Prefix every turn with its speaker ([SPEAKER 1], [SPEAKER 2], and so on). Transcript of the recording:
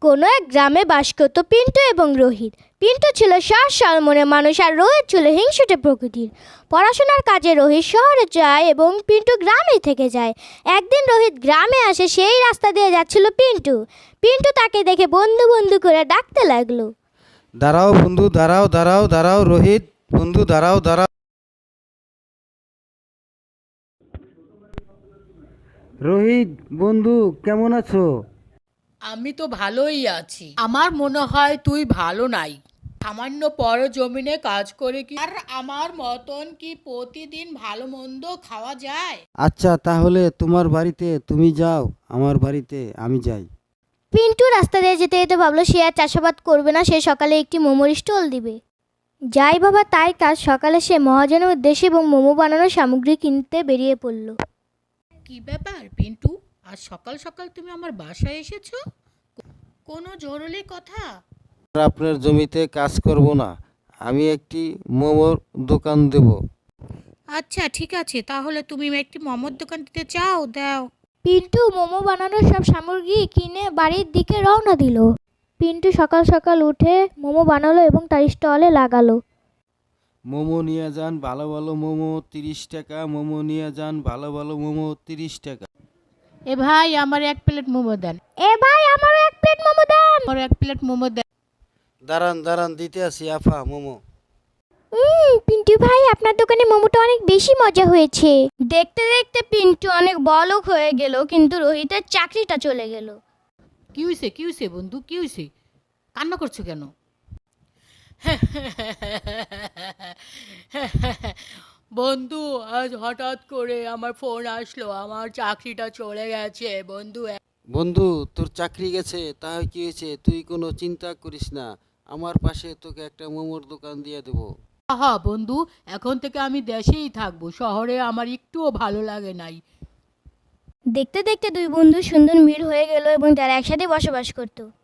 [SPEAKER 1] কোনো এক গ্রামে বাস করত পিন্টু এবং রোহিত। পিন্টু ছিল সহজ সরল মনের মানুষ আর রোহিত ছিল হিংসুটে প্রকৃতির। পড়াশোনার কাজে রোহিত শহরে যায় এবং পিন্টু গ্রামেই থেকে যায়। একদিন রোহিত গ্রামে আসে, সেই রাস্তা দিয়ে যাচ্ছিল পিন্টু। পিন্টু তাকে দেখে বন্ধু বন্ধু করে ডাকতে লাগলো।
[SPEAKER 2] দাঁড়াও বন্ধু, দাঁড়াও দাঁড়াও দাঁড়াও রোহিত বন্ধু, দাঁড়াও দাঁড়াও। রোহিত বন্ধু, কেমন আছো?
[SPEAKER 3] আমি তো ভালোই আছি। আমার মনে হয় তুই ভালো নাই। সামান্য পর জমিনে কাজ করে কি আর আমার মতন কি প্রতিদিন ভালো মন্দ খাওয়া যায়?
[SPEAKER 2] আচ্ছা, তাহলে তোমার বাড়িতে তুমি যাও, আমার বাড়িতে আমি যাই।
[SPEAKER 1] পিন্টু রাস্তা দিয়ে যেতে যেতে ভাবলো সে আর চাষাবাদ করবে না, সে সকালে একটি মোমোর স্টল দিবে। যাই বাবা তাই কাজ। সকালে সে মহাজনের উদ্দেশ্যে এবং মোমো বানানোর সামগ্রী কিনতে বেরিয়ে পড়ল।
[SPEAKER 3] কি ব্যাপার পিন্টু, আজ সকাল সকাল তুমি আমার বাসায় এসেছো? কোনো জরুরি কথা?
[SPEAKER 2] আর আপনার জমিতে কাজ করব না, আমি একটি মোমোর দোকান দেব।
[SPEAKER 3] আচ্ছা ঠিক আছে, তাহলে তুমি একটি মোমোর দোকান দিতে চাও, দাও।
[SPEAKER 1] পিন্টু মোমো বানানোর সব সামগ্রী কিনে বাড়ির দিকে রওনা দিল। পিন্টু সকাল সকাল উঠে মোমো বানালো এবং তার স্টলে লাগালো।
[SPEAKER 2] মোমো নিয়ে যান, ভালো ভালো মোমো 30 টাকা। মোমো নিয়ে যান, ভালো ভালো মোমো 30 টাকা।
[SPEAKER 3] এ ভাই, আমার এক প্লেট মোমো দেন।
[SPEAKER 1] এ ভাই আমারও এক প্লেট মোমো দেন।
[SPEAKER 3] আমার এক প্লেট মোমো দেন।
[SPEAKER 2] দাঁড়ান দাঁড়ান, দিতে আসি আফা মোমো।
[SPEAKER 1] পিন্টু ভাই আপনার দোকানে মোমোটা অনেক বেশি মজা হয়েছে। দেখতে দেখতে পিন্টু অনেক বড়লোক হয়ে গেল, কিন্তু রোহিতের চাকরিটা চলে গেল।
[SPEAKER 3] কি হয়েছে বন্ধু, কি হয়েছে? কান্না করছো কেন? বন্ধু, আজ হঠাৎ করে আমার ফোন আসলো, আমার চাকরিটা চলে গেছে বন্ধু।
[SPEAKER 2] বন্ধু, তোর চাকরি গেছে, তাই কি হয়েছে? তুই কোনো চিন্তা করিস না, আমার পাশে তোকে একটা মোমোর দোকান দিয়ে দেবো।
[SPEAKER 3] হ্যাঁ বন্ধু, এখন থেকে আমি দেশেই থাকবো, শহরে আমার একটুও ভালো লাগে নাই।
[SPEAKER 1] দেখতে দেখতে দুই বন্ধু সুন্দর মিল হয়ে গেল এবং তারা একসাথে বসবাস করত।